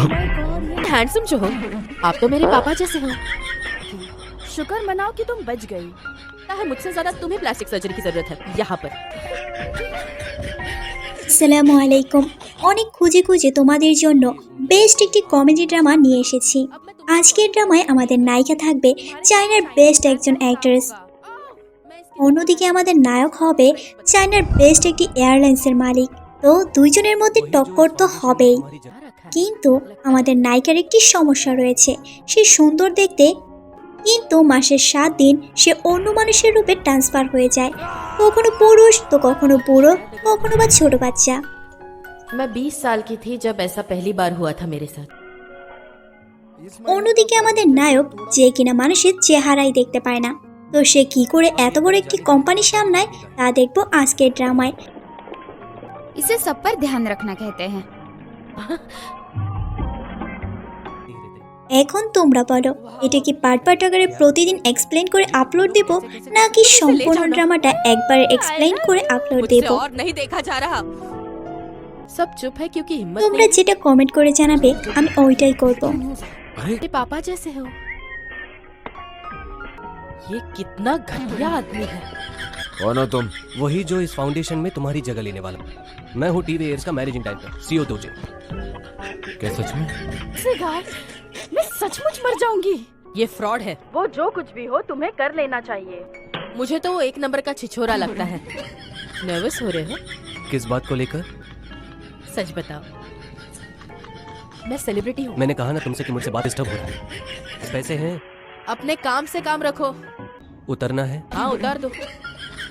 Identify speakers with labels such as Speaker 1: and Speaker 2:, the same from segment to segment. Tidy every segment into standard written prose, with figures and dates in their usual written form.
Speaker 1: Handsome जो हो, आप तो मेरे पापा जैसे हो।
Speaker 2: शुक्र मनाओ कि तुम बच गई।
Speaker 1: है मुझसे ज्यादा तुम्हें प्लास्टिक सर्जरी की जरूरत है यहाँ पर।
Speaker 3: আসসালামু আলাইকুম। অনেক খুঁজে খুঁজে তোমাদের জন্য বেস্ট একটি কমেডি ড্রামা নিয়ে এসেছি। আজকের ড্রামায় আমাদের নায়িকা থাকবে চায়নার বেস্ট একজন অ্যাক্ট্রেস, অন্যদিকে আমাদের নায়ক হবে চায়নার বেস্ট একটি এয়ারলাইন্সের মালিক। তো দুইজনের মধ্যে টক্কর তো হবেই, কিন্তু আমাদের নায়িকার একটি সমস্যা রয়েছে। সে সুন্দর দেখতে, কিন্তু মাসের 7 দিন সে অন্য মানুষের রূপে ট্রান্সফার হয়ে যায়, কখনো পুরুষ তো কখনো বুড়ো, কখনো বা ছোট বাচ্চা।
Speaker 1: मैं 20 साल की थी जब ऐसा पहली बार हुआ था मेरे साथ।
Speaker 3: অন্যদিকে আমাদের নায়ক, যে কিনা মানুষের চেহারাই দেখতে পায় না, তো সে কি করে এত বড় একটি কোম্পানি সামলায় তা দেখবো আজকের ড্রামায়।
Speaker 2: इसे सब पर ध्यान रखना कहते हैं।
Speaker 3: এখন তোমরা বলো, এটা কি পার্ট পার্ট আকারে প্রতিদিন এক্সপ্লেন করে আপলোড দেব, নাকি সম্পূর্ণ ড্রামাটা একবার এক্সপ্লেন করে আপলোড দেব?
Speaker 1: और नहीं देखा जा रहा। सब चुप है क्योंकि हिम्मत
Speaker 3: তোমরা
Speaker 1: नहीं।
Speaker 3: যেটা কমেন্ট করে জানাবে আমি ওইটাই করব।
Speaker 1: मेरे पापा जैसे हो। ये कितना घटिया आदमी है।
Speaker 4: कौन हो तुम?
Speaker 5: वही जो इस फाउंडेशन में तुम्हारी जगह लेने वाला। मैं हूँ टीवी एयर्स का मैनेजिंग डायरेक्टर सीओ दोजे।
Speaker 4: क्या सच में?
Speaker 2: मैं सचमुच मर जाऊंगी।
Speaker 1: ये फ्रॉड है।
Speaker 2: वो जो कुछ भी हो तुम्हें कर लेना चाहिए।
Speaker 1: मुझे तो वो 1 नंबर का छिछोरा लगता है। नर्वस हो रहे हो?
Speaker 5: किस बात को लेकर?
Speaker 1: सच बताओ। मैं सेलिब्रिटी हूँ।
Speaker 5: मैंने कहा ना तुमसे कि मुझसे बात डिस्टर्ब हो रहा है। पैसे हैं,
Speaker 1: अपने काम से काम रखो।
Speaker 5: उतरना है।
Speaker 1: हाँ उतार दो।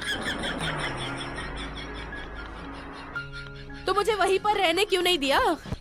Speaker 1: तो मुझे वहीं पर रहने क्यों नहीं दिया?